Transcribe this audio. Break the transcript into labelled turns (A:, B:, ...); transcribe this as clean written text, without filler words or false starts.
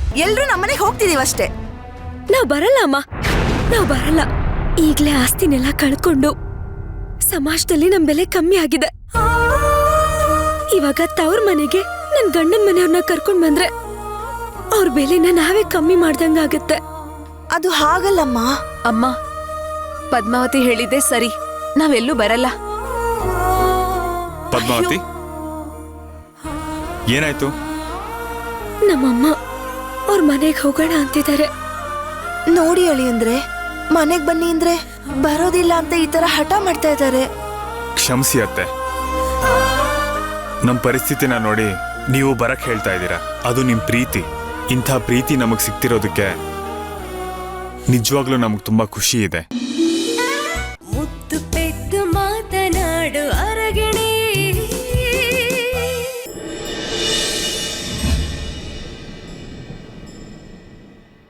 A: ಎಲ್ರೂ ನಮ್ಮನೆಗೆ ಹೋಗ್ತಿದೀವಷ್ಟೇ.
B: ನಾವ್ ಬರಲ್ಲ ಅಮ್ಮ, ನಾವ್ ಬರಲ್ಲ. ಈಗ್ಲೇ ಆಸ್ತಿನೆಲ್ಲ ಕಳ್ಕೊಂಡು ಸಮಾಜದಲ್ಲಿ ನಮ್ ಬೆಲೆ ಕಮ್ಮಿ ಆಗಿದೆ. ಇವಾಗ ತವ್ರ ಮನೆಗೆ ನನ್ ಗಂಡನ್ ಮನೆಯವ್ರನ್ನ ಕರ್ಕೊಂಡ್ ಬಂದ್ರೆ ಅವ್ರ ಬೆಲೆನ ನಾವೇ ಕಮ್ಮಿ ಮಾಡ್ದಂಗಾಗತ್ತೆ.
A: ಅದು ಹಾಗಲ್ಲಮ್ಮ.
C: ಅಮ್ಮ, ಪದ್ಮಾವತಿ ಹೇಳಿದ್ದೆ ಸರಿ, ನಾವೆಲ್ಲೂ ಬರಲ್ಲ.
D: ಪದ್ಮಾವತಿ, ಏನಾಯ್ತು?
B: ನಮ್ಮಮ್ಮ ಅವ್ರ ಮನೆಗೆ ಹೋಗೋಣ ಅಂತಿದ್ದಾರೆ.
A: ನೋಡಿ ಅಳಿ ಅಂದ್ರೆ ಮನೆಗ್ ಬನ್ನಿ ಅಂದ್ರೆ ಬರೋದಿಲ್ಲ ಅಂತ ಈ ತರ ಹಠ ಮಾಡ್ತಾ ಇದ್ದಾರೆ.
D: ಕ್ಷಮಿಸಿ ಅತ್ತೆ, ನಮ್ಮ ಪರಿಸ್ಥಿತಿನ ನೋಡಿ ನೀವು ಬರಕ್ ಹೇಳ್ತಾ ಇದ್ದೀರಾ. ಅದು ನಿಮ್ ಪ್ರೀತಿ. ಇಂಥ ಪ್ರೀತಿ ನಮಗ್ ಸಿಕ್ತಿರೋದಕ್ಕೆ ನಿಜವಾಗ್ಲೂ ನಮಗ್ ತುಂಬಾ ಖುಷಿ ಇದೆ.